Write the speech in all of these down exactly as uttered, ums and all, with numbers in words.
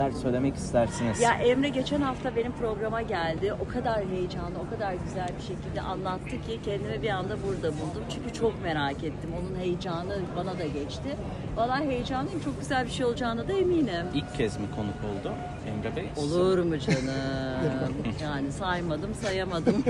Söylemek istersiniz. Ya Emre geçen hafta benim programa geldi. O kadar heyecanlı, o kadar güzel bir şekilde anlattı ki kendimi bir anda burada buldum. Çünkü çok merak ettim. Onun heyecanı bana da geçti. Vallahi heyecanlıyım. Çok güzel bir şey olacağına da eminim. İlk kez mi konuk oldu Emre Bey? Olur mu canım? Yani saymadım, sayamadım.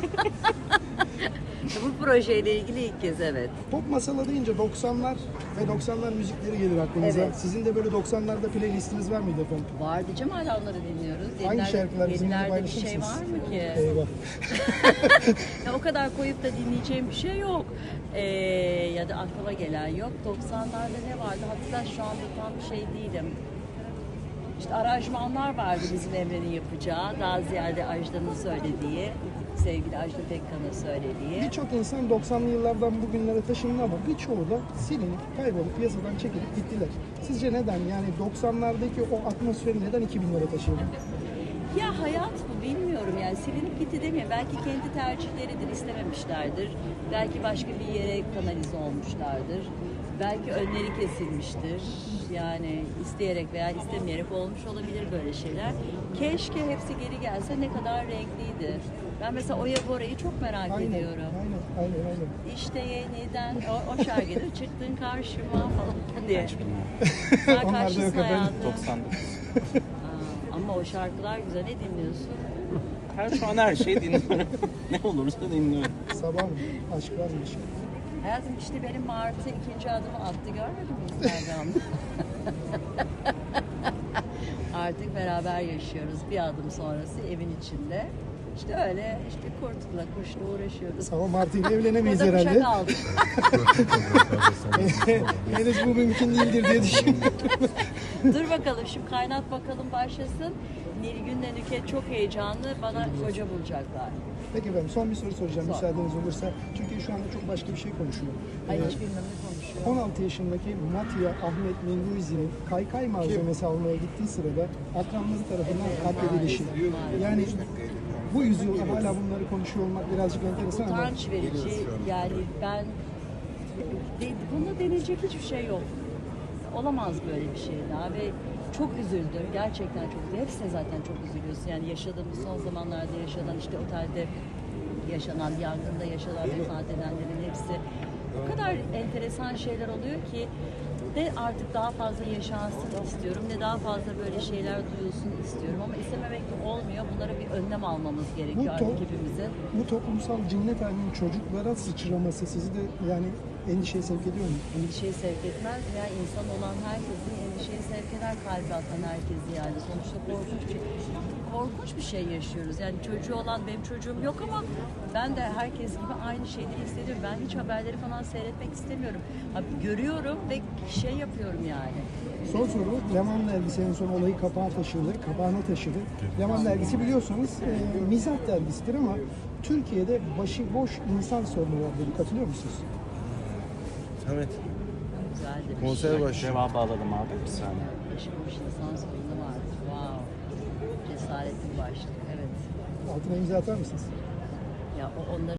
Bu projeyle ilgili ilk kez, evet. Pop masala deyince doksanlar ve doksanlar müzikleri gelir aklınıza. Evet. Sizin de böyle doksanlarda playlistiniz var mıydı efendim? Var diyeceğim, hala onları dinliyoruz. Hangi Yenilerde- şarkılar bizimle yenilerde bir paylaşır şey mısınız? var mı ki? Eyvah. Ya o kadar koyup da dinleyeceğim bir şey yok. Ee, ya da aklıma gelen yok. doksanlarda ne vardı? Hatta şu anda tam bir şey değilim. İşte aranjmanlar vardı bizim Emre'nin yapacağı. Daha ziyade Ajda'nın söylediği, sevgili Ajda Pekkan'ın söylediği. Birçok insan doksanlı yıllardan bugünlere taşındı ama birçoğu da silinip, kaybolup, piyasadan çekilip gittiler. Sizce neden? Yani doksanlardaki o atmosferi neden iki binlere taşıyalım? Ya hayat bu, bilmiyorum yani, silinip gitti demeyeyim. Belki kendi tercihleridir, istememişlerdir. Belki başka bir yere kanalize olmuşlardır. Belki önleri kesilmiştir. Yani isteyerek veya istemeyerek olmuş olabilir böyle şeyler. Keşke hepsi geri gelse, ne kadar renkliydi. Ben mesela Oya Bora'yı çok merak Aynen, ediyorum. aynen, aynen, aynen. İşte yeniden o, o şarkıda çıktın karşıma falan diye. Hiç bilmiyorum. Sen Onlar da yok kaçlısın efendim. hayatım? doksan dokuz. Aa, ama o şarkılar güzel. Ne dinliyorsun? Her şu an her şeyi dinliyorum. Ne olursa dinliyorum. Sabah mı? Aşk var mı? bir şey? Hayatım işte benim Martı ikinci adımı attı, görmedin mi Instagram'da? Artık beraber yaşıyoruz. Bir adım sonrası evin içinde. İşte öyle işte kurtla kuşla uğraşıyoruz. Ama Martı ile evlenemeyiz Burada herhalde. kuşa kaldık. Henüz bu mümkün değildir diye düşünüyorum. Dur bakalım, şimdi kaynat bakalım başlasın. Nilgün'le Nüket çok heyecanlı. Bana koca bulacaklar. Peki efendim, son bir soru soracağım Sor. müsaadeniz olursa. Çünkü şu anda çok başka bir şey konuşuyor. Ay Ee, hiç bilmem ne konuşuyor. on altı yaşındaki Matya Ahmet Menguizi'nin kaykay malzemesi almaya gittiği sırada akranları tarafından katledilişi. Yani bu yüzyılda hala bunları konuşuyor olmak birazcık enteresan ama Utanç verici. Yani ben de, buna deneyecek hiçbir şey yok. Olamaz böyle bir şey daha ve çok üzüldüm. Gerçekten çok üzüldüm. Hepsine zaten çok üzülüyorsun. Yani yaşadığımız son zamanlarda yaşanan, işte otelde yaşanan, yangında yaşanan, vefat edenlerin hepsi o kadar enteresan şeyler oluyor ki ne artık daha fazla yaşansın istiyorum, ne daha fazla böyle şeyler duyulsun istiyorum ama istememek de olmuyor. Bunlara bir önlem almamız gerekiyor Bu artık to- hepimizin. bu toplumsal cinnet halinin çocuklara sıçraması sizi de yani endişeye sevk ediyor mu? Endişeyi sevk etmez ya, insan olan herkesin endişeyi sevk eder, kalbi atan herkesi yani. Sonuçta korkunç bir, korkunç bir şey yaşıyoruz. Yani çocuğu olan, benim çocuğum yok ama ben de herkes gibi aynı şeyleri hissediyorum. Ben hiç haberleri falan seyretmek istemiyorum. Abi, görüyorum ve şey yapıyorum yani. Son soru, Leman dergisi en son olayı kapağa taşıdı, kapağına taşıdı. Leman dergisi biliyorsunuz e, mizah dergisidir ama Türkiye'de başıboş insan sorunu var dedi. Katılıyor musunuz? Evet. Güzel de bir Konser şey. başı. Cevabı alalım abi bir saniye. Başıboş insan sorunu var. Wow. Cesaretli bir başlık. Evet. Altına imza atar mısınız? Ya o onları